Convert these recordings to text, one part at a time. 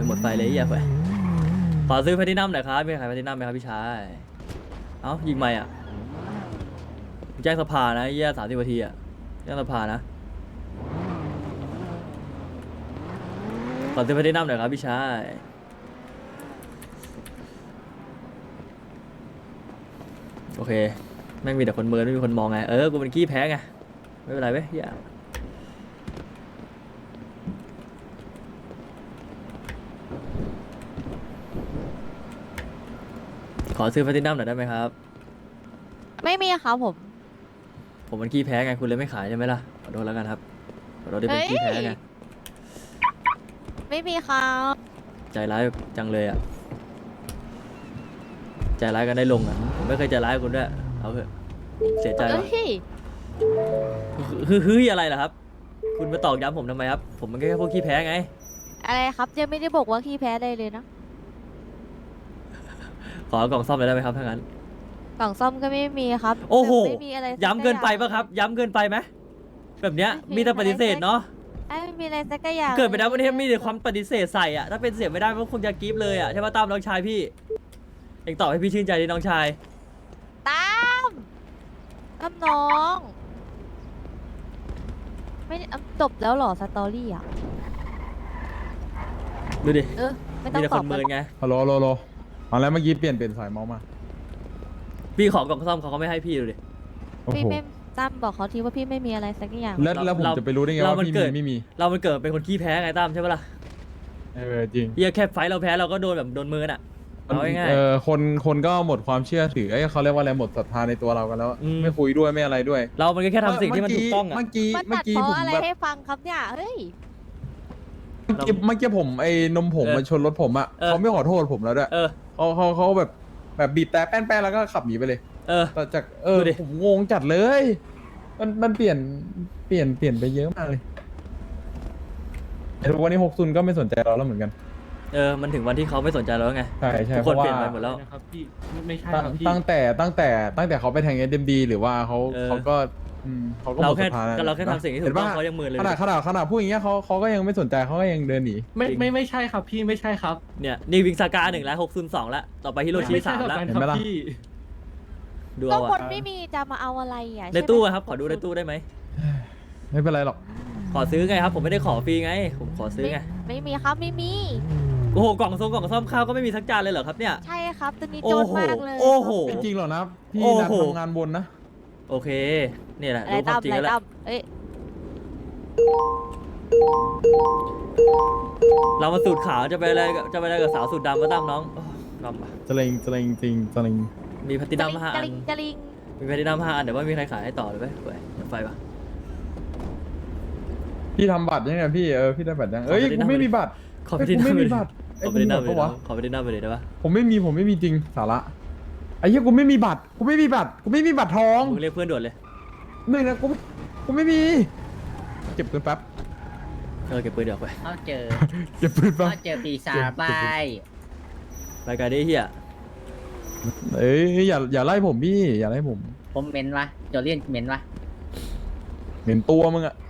หมดไฟเลยอย่าไปขอซื้อแพลตินัมหน่อยครับมีใครแพลตินัมไหมครับพี่ชายเอ้ายิงไม่อ่ะแจ้งสภานะเยี่ย30 นาทีอ่ะแจ้งสภานะขอซื้อแพลตินัมหน่อยครับพี่ชายโอเคแม่งมีแต่คนเมินไม่มีคนมองไงกูเป็นขี้แพ้ไงไม่เป็นไรเว้ยอย่าขอซื้อแพลตินัมหน่อยได้ไหมครับไม่มีครับผมมันขี้แพ้ไงคุณเลยไม่ขายใช่ไหมล่ะขอโทษแล้วกันครับขอโทษที่เป็นขี้แพ้ไงไม่มีครับใจร้ายจังเลยอ่ะใจร้ายกันได้ลงอ่ะผมไม่เคยใจร้ายกับคุณด้วยเอาเถอะเสียใจว่ะคืออะไรล่ะครับคุณมาตอกย้ำผมทำไมครับผมมันแค่พวกขี้แพ้ไงอะไรครับยังไม่ได้บอกว่าขี้แพ้เลยนะขอกล่องซ่อมเลยได้ไหมครับถ้างั้นกล่องซ่อมก็ไม่มีครับโอ้โหไม่มีอะไรย้ำเกินไปป่ะครับย้ำเกินไปไหมแบบเนี้ยมีแต่ปฏิเสธเนาะไม่มีอะไรสักอย่างเกิดไปแล้ววันนี้มีแต่ความปฏิเสธใส่อ่ะถ้าเป็นเสียไม่ได้ก็คงจะกรี๊บเลยอ่ะใช่ป่ะตามน้องชายพี่เองตอบให้พี่ชื่นใจดิน้องชายตามน้องไม่จบแล้วหรอสตอรี่อ่ะดูดิไม่ต้องมีแต่ตคอบนเมินไงฮัลโหลเอาแล้วเมื่อกี้เปลี่ยนสายเมาส์มาพี่ขอกล่องซ่อมเขาก็ไม่ให้พี่ดูดิพี่ไม่ตั้มบอกเขาทีว่าพี่ไม่มีอะไรสักอย่างแล้วผมจะไปรู้ได้ไงว่าพี่มีไม่มีเรามันเกิดเป็นคนขี้แพ้ไงตั้มใช่ปะล่ะจริงเฮียแค่ไฟเราแพ้เราก็โดนแบบโดนมือน่ะเอาง่ายคนก็หมดความเชื่อถือเขาเรียกว่าอะไรหมดศรัทธาในตัวเรากันแล้วไม่คุยด้วยไม่อะไรด้วยเรามันก็แค่ทำสิ่งที่มันถูกต้องอ่ะเมื่อกี้ผมผมอะไรแบบให้ฟังครับเนี่ยเฮ้ยเมื่อกี้ผมไอ้นมผงมาชนรถผมอ่ะเขาไม่ขอโทษผมแล้วด้วยเขาแบบบีบแต่แป้นแล้วก็ขับหนีไปเลยแต่จากผมงงจัดเลยมันเปลี่ยนไปเยอะมากเลยแต่วันนี้60ก็ไม่สนใจเราแล้วเหมือนกันมันถึงวันที่เขาไม่สนใจเราแล้วไงใช่ทุกคนเปลี่ยนไปหมดแล้วครับพี่ไม่ใช่ครับพี่ตั้งแต่เขาไปแทง SMD หรือว่าเขาก็หมดศรัทธาเราแค่ทำสิ่งที่ถูกต้องเขายังมือเลยขนาดพูดอย่างเงี้ยเขาก็ยังไม่สนใจเขาก็ยังเดินหนีไม่ใช่ครับพี่ไม่ใช่ครับเนี่ยนี่วิงซากา1แล้ว602แล้วต่อไปฮิโรชิ3แล้วเห็นไหมล่ะดูก็เอาคนไม่มีจะมาเอาอะไรอ่ะในตู้ครับขอดูในตู้ได้ไหมไม่เป็นไรหรอกขอซื้อไงครับผมไม่ได้ขอฟรีไงผมขอซื้อไงไม่มีครับไม่มีโอ้โหกล่องซ่อมข้าวก็ไม่มีสักจานเลยเหรอครับเนี่ยใช่ครับตัวนี้โจรมากเลยโอ้โหจริงเหรอนะพี่นัดทำงานบนนะโอเคนี่แหละรู้ความจริงแล้วเรามาสูตรขาวจะไปอะไรกับสาวสูตรดำมาตั้มน้องดำจะเลงจริงมีแพลตินัม5 อันมีแพลตินัม5 อันเดี๋ยวว่ามีใครขายให้ต่อเลยไหมไฟปะพี่ทำบัตรยังไงพี่พี่ได้บัตรยังกูไม่มีบัตรขอแพลตินัมไม่มีบัตรขอแพลตินัมไปวะขอแพลตินัมไปเลยได้ปะผมไม่มีจริงสาระไอ้เหี้ยกูไม่มีบัตรทองมึงเรียกเพื่อนด่วนเลยหนึ่งนะกูไม่มีเก็บปืนแป๊บเก็บปืนเดี๋ยวไปเจอเก็บปืนแป๊บเจอปีศาจไปรายการนี้เฮียอย่าไล่ผมพี่อย่าไล่ผมเหม็นวะโจเลียนเหม็นวะเหม็นตัวมึงอะ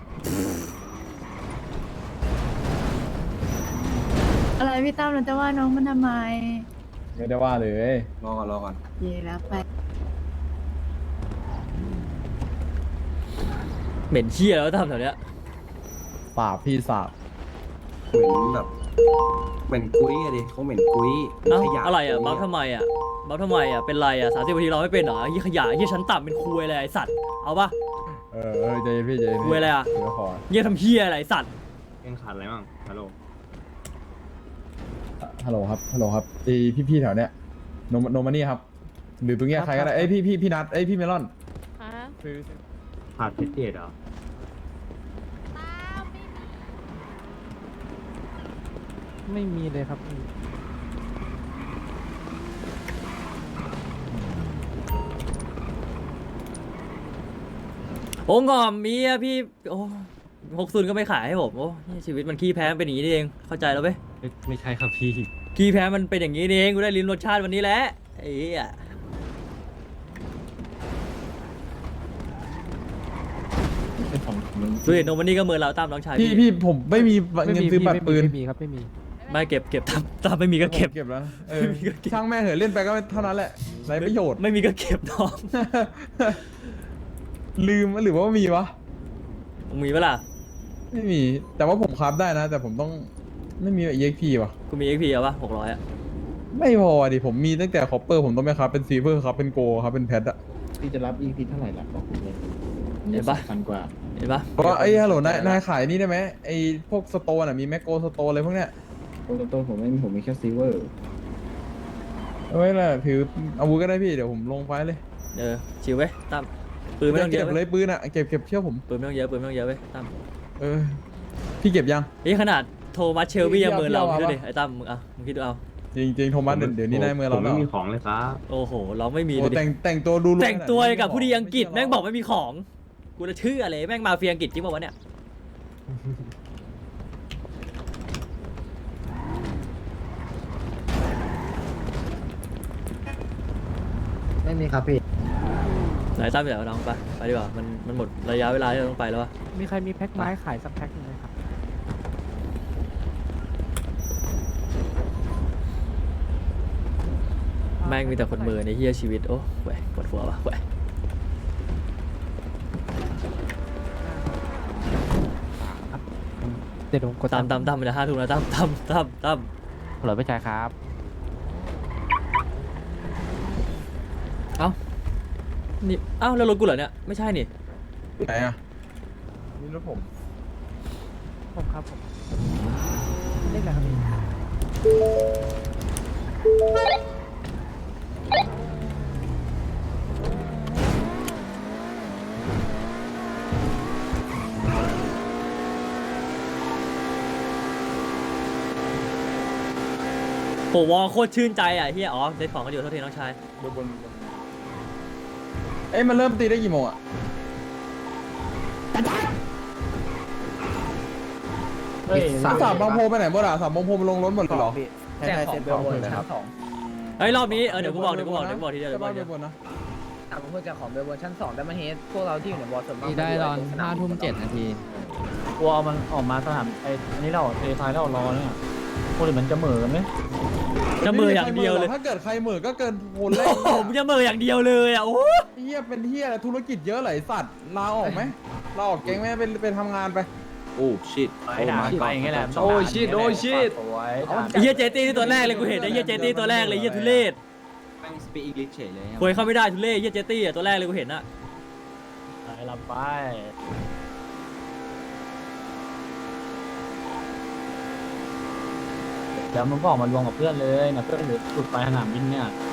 อะไรพี่ตั้มเราจะว่าน้องมันทำไมไม่ได้ว่าเลยรอก่อนเย่แล้วไปเหม็นเชี่ยแล้วทำแถวเนี้ยสาบพี่สาบเหมือนแบบเหม็นกุ้ยอะดิเขาเหม็นกุ้ยขยะอะไรอ่ะบัฟทำไมอ่ะเป็นไรอ่ะ30 นาทีเราไม่เป็นเหรอยี่ขยะยี่ชั้นต่ำเป็นคุยอะไรไอสัตว์เอาปะใจพี่คุยอะไรอ่ะยี่ทำเฮียอะไรไอสัตว์ยังขาดอะไรบ้างฮัลโหลครับพี่แถวเนี้ยโนมานี่ครับหรือตรงเนี้ยใครก็ได้พี่นัทพี่เมลอนขาดเพชรเดชเหรอไม่มีเลยครับโอ้งอมมีอะพี่โอ้60ก็ไม่ขายให้ผมโอ้ชีวิตมันขี้แพ้เป็นอย่างนี้เองเข้าใจแล้วไหมไม่ใช่ครับพี่ขี้แพ้มันเป็นอย่างนี้เองกูได้ลิ้มรสชาติวันนี้แหละไอ้อะดูเห็นโนมันนี่ก็เมินเราตามน้องชายพี่ผมไม่มีเงินซื้อบัตรปืนไม่มีครับไม่มีไม่เก็บตามไม่มีก็เก็บเก็บแล้วเออไม่มีก็เก็บช่างแม่งเหอะเล่นไปก็เท่านั้นแหละไรประโยชน์ไม่มีก็เก็บน้องลืมหรือว่ามีวะมึงมีเวลาไม่มี แต่ว่าผมคราฟได้นะ แต่ผมต้องไม่มี EXP ว่ะกูมี XP เอาปะ600อ่ะไม่พอดิผมมีตั้งแต่คอปเปอร์ผมต้องไปคราฟเป็นซีเวอร์ครับเป็นโกครับเป็นแพทอะพี่จะรับ EP เท่าไหร่ล่ะบอกผมเลยเห็นปะพันกว่าเห็นปะเพราะว่าไอ้ฮัลโหลนายขายนี่ได้ไหมไอ้พวกสโตนอะมีแมคโกสโตนอะไรพวกเนี้ยตัวผมไม่มีผมมีแค่ซิลเวอร์เอาไว้แหละถืออาวุธก็ได้พี่เดี๋ยวผมลงไฟเลยชิวเว้ยตั้มปืนไม่ต้องเยเก็อะบเว้เลย ยปืนอะเก็บเชื่อผมปืนไม่ต้องเยอะปืนไม่ต้องเยอะเว้ยตั้มเออพี่เก็บยังนี่ขนาดโทมัสเชลบี้ยังเมินเราพี่คิดเอาดูดิไอ้ตั้มมึงคิดดูเอาจริงโทมัสเดี๋ยวนี้นายเมื่อเราผมแล้ไม่วมีของเลยครับโอ้โหเราไม่มีโอ้เลยดิแต่งตัวดูแต่งตัวกับผู้ดีอังกฤษแม่งบอกไม่มีของกูจะเชื่ออะไรแม่งมาเฟียอังกฤษจริงป่าวะเนี่ยไม่มีครับพี่ไหนตั้มเดี๋ยวน้องไปดีกว่ามันหมดระยะเวลาที่เราต้องไปแล้ววะมีใครมีแพ็คไม้ขายสักแพ็คนึงไหมครับแม่งมีแต่คนเมินในเฮียชีวิตโอ้แหวะปวดหัววะแหวะเดี๋ยวผมกดตามไปเลย5 ทุ่มแล้วตั้มเหลือไปจ่ายครับนี่อ้าวแล้วรถกูเหรอเนี่ยไม่ใช่นี่ไหนอะนี่รถผมผมครับผมเล่นอะไรครับพี่โหวอลโคตรชื่นใจอ่ะเฮียอ๋อเซ็ตของกันอยู่เท่าทีน้องชายบนเอ้ยมันเริ่มตีได้กี่โมงอะสามบางโพไปไหนหมดอะสามบางโพมันลงรถหมดเลยเหรอแจกของเบลบนชั้น2 เฮ้ยรอบนี้เดี๋ยวกูบอกทีเดียวจะบ้านไปบนนะแต่ผมเพิ่งแจกของเบลบนชั้น2แต่มาเฮดพวกเราที่อยู่ในบอสส่วนมากได้ตอน5 ทุ่ม 7 นาทีกลัวมันออกมาสนามไอ้อันนี้เราเททายเรารอเนี่ยพวกนี้มันจะเหม่อกันไหมจะมืออย่างเดียวเลยถ้าเกิดใครเหมือก็เกินคนแรกโอ้โหมึงจะมืออย่างเดียวเลยอ่ะโอ้เฮียเป็นเฮียอะไรธุรกิจเยอะไหลายสัตว์ลาออกไหมลาออกเก่งไหมไปทำงานไปโอ้ชิตไปด่าไปอย่างเงี้ยแหละโอ้ชิตโอ้ชิตไอ้เฮียเจตี้นี่ตัวแรกเลยกูเห็นไอ้เฮียเจตี้ตัวแรกเลยเฮียทุเรศแม่งสปีกอังกฤษเฉยเลยคุยเข้าไม่ได้ทุเรศเฮียเจตี้อ่ะตัวแรกเลยกูเห็นอ่ะไปลำไปเดี๋ยวมันก็ออกมารวมกับเพื่อนเลยนะเพื่อนหลุดไปสนามบินเนี่ย